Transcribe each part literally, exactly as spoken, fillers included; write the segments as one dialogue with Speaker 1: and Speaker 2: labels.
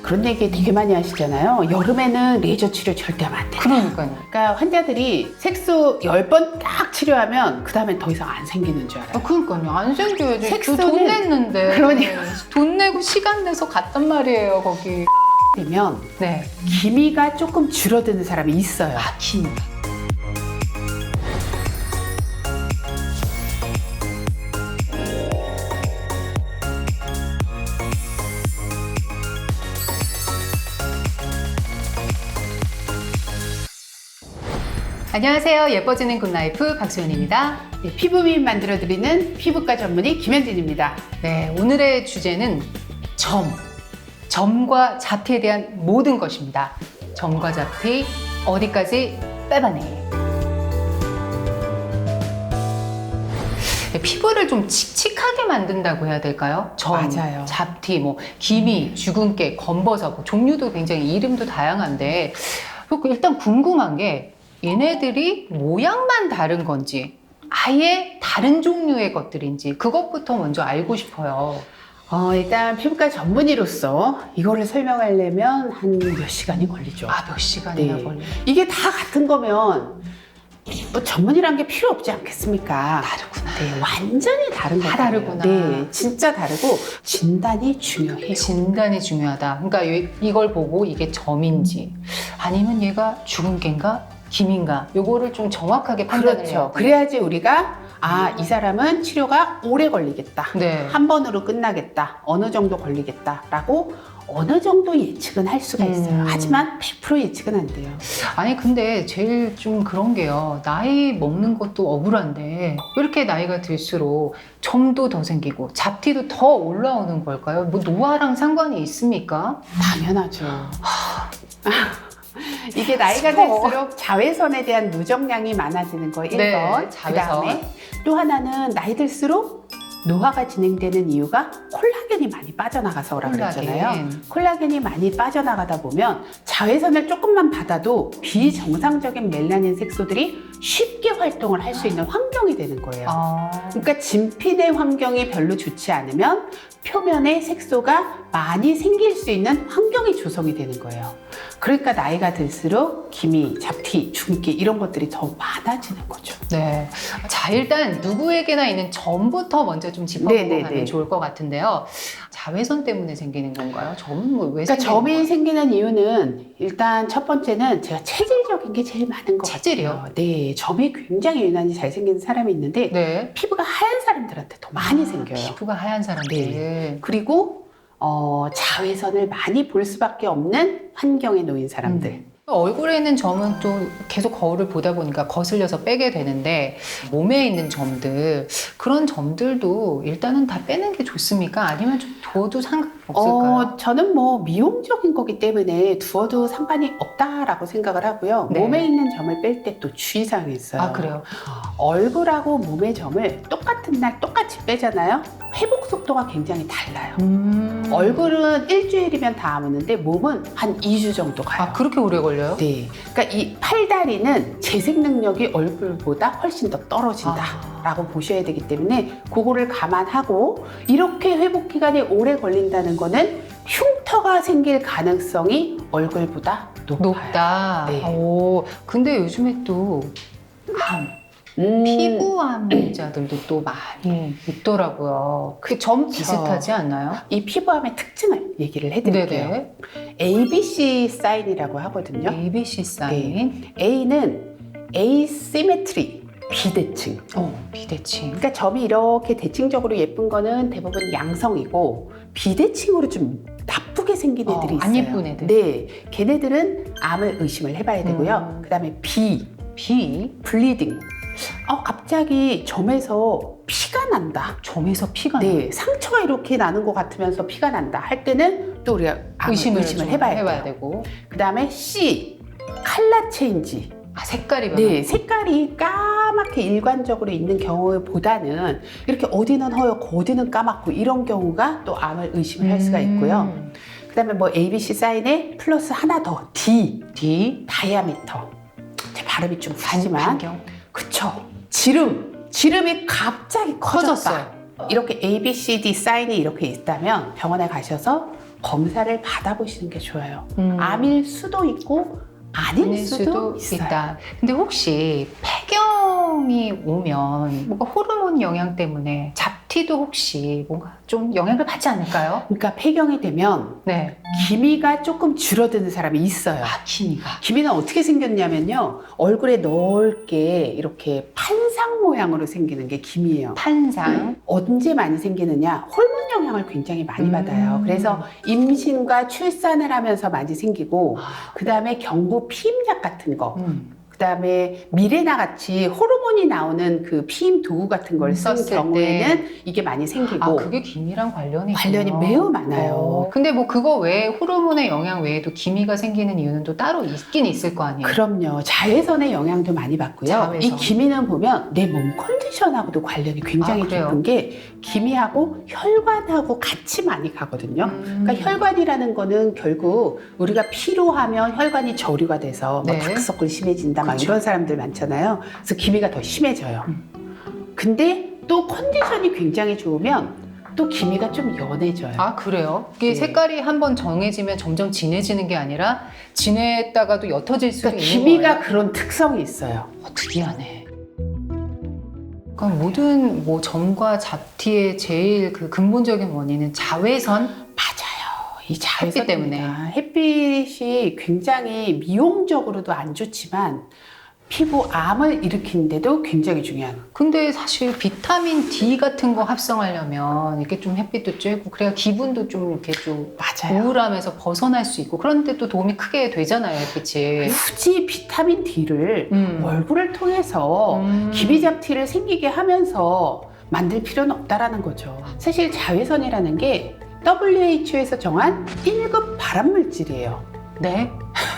Speaker 1: 그런 얘기 되게 많이 하시잖아요. 여름에는 레이저 치료 절대 하면 안 돼.
Speaker 2: 그러니까요.
Speaker 1: 그러니까 환자들이 색소 열 번 딱 치료하면 그 다음엔 더 이상 안 생기는 줄 알아요.
Speaker 2: 아, 그러니까요. 안 생겨야지.
Speaker 1: 색소는-
Speaker 2: 돈 냈는데.
Speaker 1: 그러니까.
Speaker 2: 돈 내고 시간 내서 갔단 말이에요, 거기.
Speaker 1: 되면
Speaker 2: 네.
Speaker 1: 기미가 조금 줄어드는 사람이 있어요.
Speaker 2: 아, 기미. 안녕하세요. 예뻐지는 굿라이프 박수연입니다.
Speaker 1: 네, 피부 미인 만들어드리는 피부과 전문의 김현진입니다.
Speaker 2: 네, 오늘의 주제는 점. 점과 잡티에 대한 모든 것입니다. 점과 잡티, 어디까지 빼봐내. 네, 피부를 좀 칙칙하게 만든다고 해야 될까요? 점,
Speaker 1: 맞아요.
Speaker 2: 잡티, 뭐 기미, 주근깨, 검버섯, 뭐 종류도 굉장히 이름도 다양한데 일단 궁금한 게 얘네들이 모양만 다른 건지 아예 다른 종류의 것들인지 그것부터 먼저 알고 싶어요.
Speaker 1: 어, 일단 피부과 전문의로서 이거를 설명하려면 한 몇 시간이 걸리죠.
Speaker 2: 아, 몇 시간이나
Speaker 1: 네.
Speaker 2: 걸려요?
Speaker 1: 이게 다 같은 거면 뭐 전문이란 게 필요 없지 않겠습니까?
Speaker 2: 다르구나.
Speaker 1: 네, 완전히 다른
Speaker 2: 다
Speaker 1: 거예요.
Speaker 2: 다르구나.
Speaker 1: 네, 진짜 다르고 진단이 중요해요.
Speaker 2: 진단이 중요하다. 그러니까 이- 이걸 보고 이게 점인지 아니면 얘가 주근깨인가 기민가 요거를 좀 정확하게 판단을 해야
Speaker 1: 그렇죠.
Speaker 2: 돼요.
Speaker 1: 그래야지 우리가 아, 이 사람은 치료가 오래 걸리겠다.
Speaker 2: 네.
Speaker 1: 한 번으로 끝나겠다. 어느 정도 걸리겠다라고 어느 정도 예측은 할 수가 있어요.
Speaker 2: 음.
Speaker 1: 하지만 백 퍼센트 예측은 안 돼요.
Speaker 2: 아니 근데 제일 좀 그런 게요. 나이 먹는 것도 억울한데 왜 이렇게 나이가 들수록 점도 더 생기고 잡티도 더 올라오는 걸까요? 뭐 노화랑 상관이 있습니까?
Speaker 1: 당연하죠. 이게 나이가
Speaker 2: 슬퍼.
Speaker 1: 들수록 자외선에 대한 누적량이 많아지는 거 일 번.
Speaker 2: 네,
Speaker 1: 그 다음에
Speaker 2: 자외선.
Speaker 1: 또 하나는 나이 들수록 노화가 진행되는 이유가 콜라겐이 많이 빠져나가서 오라
Speaker 2: 콜라겐.
Speaker 1: 그랬잖아요. 콜라겐이 많이 빠져나가다 보면 자외선을 조금만 받아도 비정상적인 멜라닌 색소들이 쉽게 활동을 할 수 있는 환경이 되는 거예요.
Speaker 2: 아,
Speaker 1: 그러니까 진피내 환경이 별로 좋지 않으면 표면에 색소가 많이 생길 수 있는 환경이 조성이 되는 거예요. 그러니까 나이가 들수록 기미, 잡티, 주근깨 이런 것들이 더 많아지는 거죠.
Speaker 2: 네. 자, 일단 누구에게나 있는 점부터 먼저 좀 짚어보고
Speaker 1: 네네네.
Speaker 2: 가면 좋을 것 같은데요. 자외선 때문에 생기는 건가요? 점은 뭐 왜
Speaker 1: 그러니까
Speaker 2: 생기는
Speaker 1: 점이
Speaker 2: 거예요?
Speaker 1: 생기는 이유는 일단 첫 번째는 제가 체질적인 게 제일 많은 것
Speaker 2: 체질이요?
Speaker 1: 같아요. 네, 점이 굉장히 유난히 잘 생기는 사람이 있는데
Speaker 2: 네.
Speaker 1: 피부가 하얀 사람들한테 더 많이
Speaker 2: 아,
Speaker 1: 생겨요.
Speaker 2: 피부가 하얀 사람들.
Speaker 1: 그리고 어, 자외선을 많이 볼 수밖에 없는 환경에 놓인 사람들.
Speaker 2: 음. 얼굴에 있는 점은 또 계속 거울을 보다 보니까 거슬려서 빼게 되는데 몸에 있는 점들 그런 점들도 일단은 다 빼는 게 좋습니까? 아니면 좀 둬도 상관없을까요?
Speaker 1: 어, 저는 뭐 미용적인 거기 때문에 두어도 상관이 없다라고 생각을 하고요.
Speaker 2: 네.
Speaker 1: 몸에 있는 점을 뺄 때 또 주의사항이 있어요.
Speaker 2: 아, 그래요?
Speaker 1: 얼굴하고 몸의 점을 똑같은 날 똑같이 빼잖아요. 회복 속도가 굉장히 달라요.
Speaker 2: 음.
Speaker 1: 얼굴은 일주일이면 다 아무는데 몸은 한 이 주 정도 가요.
Speaker 2: 아, 그렇게 오래 걸려요?
Speaker 1: 네. 그러니까 이 팔다리는 재생 능력이 얼굴보다 훨씬 더 떨어진다.
Speaker 2: 아.
Speaker 1: 라고 보셔야 되기 때문에 그거를 감안하고 이렇게 회복 기간이 오래 걸린다는 거는 흉터가 생길 가능성이 얼굴보다 높아요.
Speaker 2: 높다.
Speaker 1: 네.
Speaker 2: 오, 근데 요즘에 또 암,
Speaker 1: 음,
Speaker 2: 피부암 환자들도 또 많이 있더라고요. 그 점
Speaker 1: 그쵸.
Speaker 2: 비슷하지 않나요?
Speaker 1: 이 피부암의 특징을 얘기를 해드릴게요.
Speaker 2: 네네.
Speaker 1: 에이비씨 사인이라고 하거든요.
Speaker 2: 에이비씨 사인.
Speaker 1: A는 asymmetry, 비대칭.
Speaker 2: 어, 비대칭.
Speaker 1: 그러니까 점이 이렇게 대칭적으로 예쁜 거는 대부분 양성이고 비대칭으로 좀 나쁘게 생긴
Speaker 2: 어,
Speaker 1: 애들이 있어요.
Speaker 2: 안 예쁜 애들.
Speaker 1: 네, 걔네들은 암을 의심을 해봐야 되고요.
Speaker 2: 음.
Speaker 1: 그다음에 B,
Speaker 2: 비.
Speaker 1: 블리딩. 어, 갑자기 점에서 피가 난다.
Speaker 2: 점에서 피가 나요.
Speaker 1: 네, 상처가 이렇게 나는 것 같으면서 피가 난다 할 때는 또 우리가 암을
Speaker 2: 의심을,
Speaker 1: 의심을,
Speaker 2: 좀
Speaker 1: 해봐야,
Speaker 2: 해봐야
Speaker 1: 돼요.
Speaker 2: 되고.
Speaker 1: 그다음에 C, 컬러 체인지.
Speaker 2: 아, 색깔이 변화.
Speaker 1: 네, 색깔이 까맣게 일관적으로 있는 경우보다는 이렇게 어디는 허옇고 어디는 까맣고 이런 경우가 또 암을 의심을 할 수가 있고요.
Speaker 2: 음.
Speaker 1: 그다음에 뭐 에이비씨 사인에 플러스 하나 더 D,
Speaker 2: D.
Speaker 1: 다이아미터. 제 발음이 좀 하지만
Speaker 2: 반경.
Speaker 1: 그쵸. 지름, 지름이 갑자기 커졌다.
Speaker 2: 커졌어요.
Speaker 1: 이렇게 에이비씨디 사인이 이렇게 있다면 병원에 가셔서 검사를 받아보시는 게 좋아요.
Speaker 2: 음.
Speaker 1: 암일 수도 있고 아닐
Speaker 2: 아닐
Speaker 1: 수도,
Speaker 2: 수도
Speaker 1: 있어요.
Speaker 2: 있다. 근데 혹시 폐경이 오면 뭔가 호르몬 영향 때문에 잡티도 혹시 뭔가 좀 영향을 받지 않을까요?
Speaker 1: 그러니까 폐경이 되면
Speaker 2: 네.
Speaker 1: 기미가 조금 줄어드는 사람이 있어요.
Speaker 2: 아, 기미가.
Speaker 1: 기미는 어떻게 생겼냐면요. 얼굴에 넓게 이렇게 판상 모양으로 생기는 게 기미예요.
Speaker 2: 판상.
Speaker 1: 언제 많이 생기느냐? 호르몬 영향을 굉장히 많이
Speaker 2: 음.
Speaker 1: 받아요. 그래서 임신과 출산을 하면서 많이 생기고
Speaker 2: 아.
Speaker 1: 그 다음에 경부 피임약 같은 거
Speaker 2: 음.
Speaker 1: 그 다음에 미레나 같이 호르몬이 나오는 그 피임 도구 같은 걸 쓴
Speaker 2: 썼을
Speaker 1: 경우에는 이게 많이 생기고
Speaker 2: 아, 그게 기미랑 관련이
Speaker 1: 관련이
Speaker 2: 있구나.
Speaker 1: 매우 많아요.
Speaker 2: 어. 근데 뭐 그거 외에 호르몬의 영향 외에도 기미가 생기는 이유는 또 따로 있긴 있을 거 아니에요?
Speaker 1: 그럼요. 자외선의 영향도 많이 받고요.
Speaker 2: 자외선.
Speaker 1: 이 기미는 보면 내 몸 컨디션하고도 관련이 굉장히
Speaker 2: 아, 그래요?
Speaker 1: 깊은 게 기미하고 혈관하고 같이 많이 가거든요.
Speaker 2: 음.
Speaker 1: 그러니까 혈관이라는 거는 결국 우리가 피로하면 혈관이 저류가 돼서 뭐
Speaker 2: 네.
Speaker 1: 다크서클 심해진다 막
Speaker 2: 그쵸.
Speaker 1: 이런 사람들 많잖아요. 그래서 기미가 더 심해져요.
Speaker 2: 음.
Speaker 1: 근데 또 컨디션이 굉장히 좋으면 또 기미가 좀 연해져요.
Speaker 2: 아, 그래요? 이게
Speaker 1: 네.
Speaker 2: 색깔이 한번 정해지면 점점 진해지는 게 아니라 진했다가도 옅어질 수도
Speaker 1: 그러니까
Speaker 2: 있는
Speaker 1: 기미가
Speaker 2: 거예요?
Speaker 1: 그런 특성이 있어요.
Speaker 2: 어, 특이하네. 그러니까 모든 뭐 점과 잡티의 제일 그 근본적인 원인은 자외선?
Speaker 1: 맞아요. 이 자외선
Speaker 2: 햇빛 때문에.
Speaker 1: 햇빛이 굉장히 미용적으로도 안 좋지만 피부암을 일으키는데도 굉장히 중요한.
Speaker 2: 근데 사실 비타민 D 같은 거 합성하려면 이렇게 좀 햇빛도 쬐고 그래야 기분도 좀 이렇게 좀
Speaker 1: 맞아요.
Speaker 2: 우울함에서 벗어날 수 있고 그런데 또 도움이 크게 되잖아요, 햇빛이.
Speaker 1: 굳이 비타민 D를
Speaker 2: 음.
Speaker 1: 얼굴을 통해서
Speaker 2: 음.
Speaker 1: 기미잡티를 생기게 하면서 만들 필요는 없다라는 거죠. 사실 자외선이라는 게 더블유에이치오에서 정한 일 급 발암물질이에요.
Speaker 2: 네?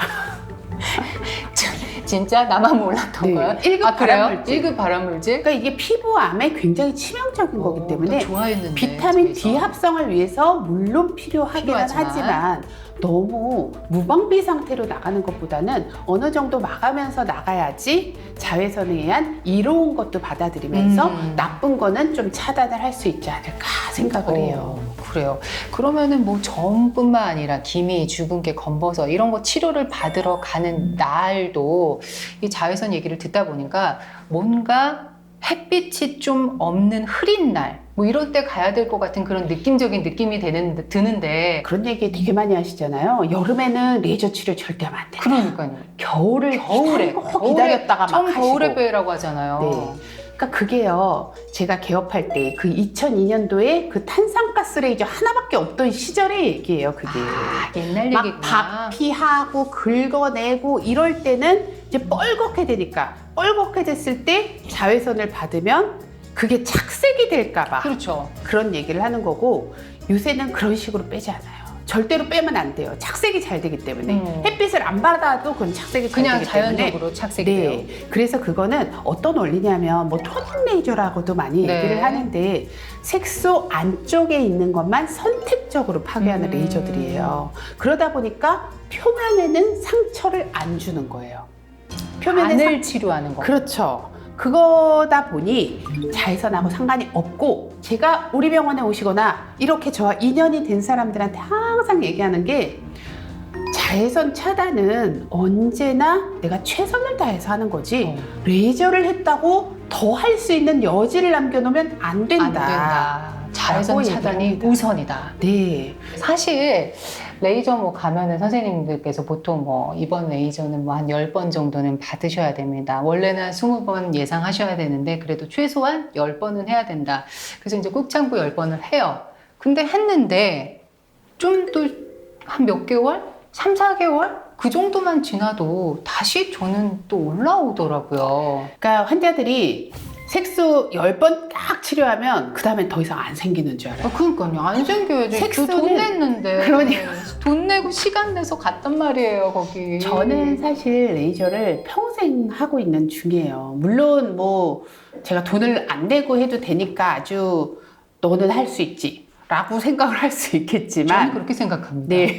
Speaker 2: 진짜 나만 몰랐던
Speaker 1: 네,
Speaker 2: 거야?
Speaker 1: 일 급
Speaker 2: 아, 그래요?
Speaker 1: 발암물질.
Speaker 2: 일 급 발암물질?
Speaker 1: 그러니까 이게 피부암에 굉장히 치명적인 거기 때문에
Speaker 2: 어, 나 좋아했는데,
Speaker 1: 비타민 D
Speaker 2: 집에서.
Speaker 1: 합성을 위해서 물론 필요하기는
Speaker 2: 필요하지만.
Speaker 1: 하지만 너무 무방비 상태로 나가는 것보다는 어느 정도 막으면서 나가야지 자외선에 의한 이로운 것도 받아들이면서
Speaker 2: 음.
Speaker 1: 나쁜 거는 좀 차단을 할 수 있지 않을까 생각을 해요.
Speaker 2: 어, 그래요. 그러면은 뭐 점뿐만 아니라 기미, 주근깨, 검버섯 이런 거 치료를 받으러 가는 날도 이 자외선 얘기를 듣다 보니까 뭔가 햇빛이 좀 없는 흐린 날, 뭐 이럴 때 가야 될 것 같은 그런 느낌적인 느낌이 되는, 드는데.
Speaker 1: 그런 얘기 되게 많이 하시잖아요. 여름에는 레이저 치료 절대 하면 안 된다.
Speaker 2: 그러니까요.
Speaker 1: 겨울을
Speaker 2: 겨울에,
Speaker 1: 기다리고 기다렸다가 막
Speaker 2: 처음
Speaker 1: 하시고.
Speaker 2: 겨울에 빼라고 하잖아요.
Speaker 1: 네. 그러니까 그게요. 제가 개업할 때 그 이천이 년도에 그 탄산가스 레이저 하나밖에 없던 시절의 얘기예요. 그게.
Speaker 2: 아, 옛날
Speaker 1: 막
Speaker 2: 얘기구나.
Speaker 1: 박피하고 긁어내고 이럴 때는 이제 뻘겋게 되니까 뻘겋게 됐을 때 자외선을 받으면 그게 착색이 될까 봐
Speaker 2: 그렇죠.
Speaker 1: 그런 얘기를 하는 거고 요새는 그런 식으로 빼지 않아요. 절대로 빼면 안 돼요. 착색이 잘 되기 때문에.
Speaker 2: 음.
Speaker 1: 햇빛을 안 받아도 그건 착색이 잘
Speaker 2: 그냥
Speaker 1: 되기 때문에.
Speaker 2: 자연적으로 착색이 돼요.
Speaker 1: 네. 그래서 그거는 어떤 원리냐면 뭐 토닝 레이저라고도 많이
Speaker 2: 네.
Speaker 1: 얘기를 하는데 색소 안쪽에 있는 것만 선택적으로 파괴하는
Speaker 2: 음.
Speaker 1: 레이저들이에요. 그러다 보니까 표면에는 상처를 안 주는 거예요. 표면에
Speaker 2: 안을
Speaker 1: 상...
Speaker 2: 치료하는 거.
Speaker 1: 그렇죠. 그거다 보니 자외선하고 상관이 없고 제가 우리 병원에 오시거나 이렇게 저와 인연이 된 사람들한테 항상 얘기하는 게 자외선 차단은 언제나 내가 최선을 다해서 하는 거지
Speaker 2: 어.
Speaker 1: 레이저를 했다고 더 할 수 있는 여지를 남겨놓으면 안 된다.
Speaker 2: 안 된다. 자외선
Speaker 1: 라고
Speaker 2: 차단이
Speaker 1: 얘기합니다.
Speaker 2: 우선이다.
Speaker 1: 네.
Speaker 2: 사실 레이저 뭐 가면은 선생님들께서 보통 뭐 이번 레이저는 뭐 한 열 번 정도는 받으셔야 됩니다. 원래는 한 스무 번 예상하셔야 되는데 그래도 최소한 열 번은 해야 된다. 그래서 이제 꾹 참고 열 번을 해요. 근데 했는데 좀 또 한 몇 개월? 삼, 사 개월? 그 정도만 지나도 다시 저는 또 올라오더라고요.
Speaker 1: 그러니까 환자들이 색소 열 번 딱 치료하면 그 다음엔 더 이상 안 생기는 줄 알아요.
Speaker 2: 아, 그러니까요. 안 생겨야지.
Speaker 1: 색소는-
Speaker 2: 돈 냈는데.
Speaker 1: 그러니까.
Speaker 2: 돈 내고 시간 내서 갔단 말이에요, 거기.
Speaker 1: 저는 사실 레이저를 평생 하고 있는 중이에요. 물론 뭐 제가 돈을 안 내고 해도 되니까 아주 너는 할 수 있지 라고 생각을 할 수
Speaker 2: 저는
Speaker 1: 있겠지만
Speaker 2: 그렇게 생각합니다.
Speaker 1: 네.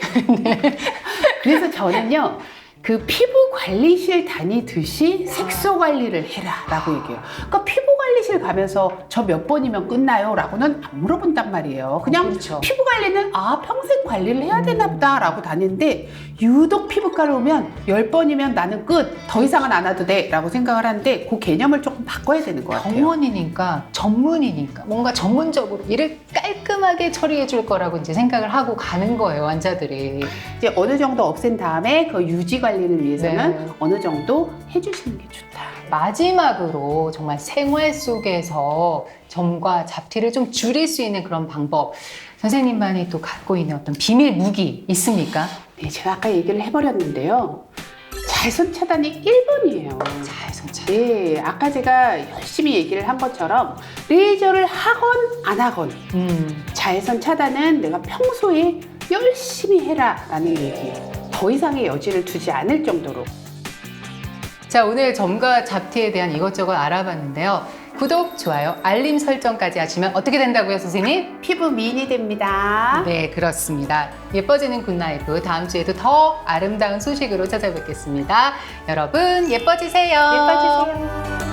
Speaker 1: 그래서 저는요 그 피부 관리실 다니듯이 색소 관리를 해라 라고 얘기해요. 그러니까 피부 피부관리실 가면서 저 몇 번이면 끝나요? 라고는 안 물어본단 말이에요. 그냥
Speaker 2: 그렇죠.
Speaker 1: 피부 관리는 아 평생 관리를 해야 되나 보다 라고 다니는데 유독 피부과를 오면 열 번이면 나는 끝, 더 이상은 안 와도 돼 라고 생각을 하는데 그 개념을 조금 바꿔야 되는 것 같아요.
Speaker 2: 병원이니까 전문이니까 뭔가 전문적으로 일을 깔끔하게 처리해 줄 거라고 이제 생각을 하고 가는 거예요, 환자들이.
Speaker 1: 이제 어느 정도 없앤 다음에 그 유지 관리를 위해서는
Speaker 2: 네.
Speaker 1: 어느 정도 해주시는 게 좋다.
Speaker 2: 마지막으로 정말 생활 속에서 점과 잡티를 좀 줄일 수 있는 그런 방법, 선생님만이 또 갖고 있는 어떤 비밀 무기 있습니까?
Speaker 1: 네, 제가 아까 얘기를 해버렸는데요. 자외선 차단이 일 번이에요.
Speaker 2: 자외선 차단.
Speaker 1: 네, 아까 제가 열심히 얘기를 한 것처럼 레이저를 하건 안 하건
Speaker 2: 음,
Speaker 1: 자외선 차단은 내가 평소에 열심히 해라 라는 얘기예요. 더 이상의 여지를 두지 않을 정도로.
Speaker 2: 자, 오늘 점과 잡티에 대한 이것저것 알아봤는데요. 구독, 좋아요, 알림 설정까지 하시면 어떻게 된다고요, 선생님?
Speaker 1: 피부 미인이 됩니다.
Speaker 2: 네, 그렇습니다. 예뻐지는 굿라이프 다음 주에도 더 아름다운 소식으로 찾아뵙겠습니다. 여러분 예뻐지세요.
Speaker 1: 예뻐지세요.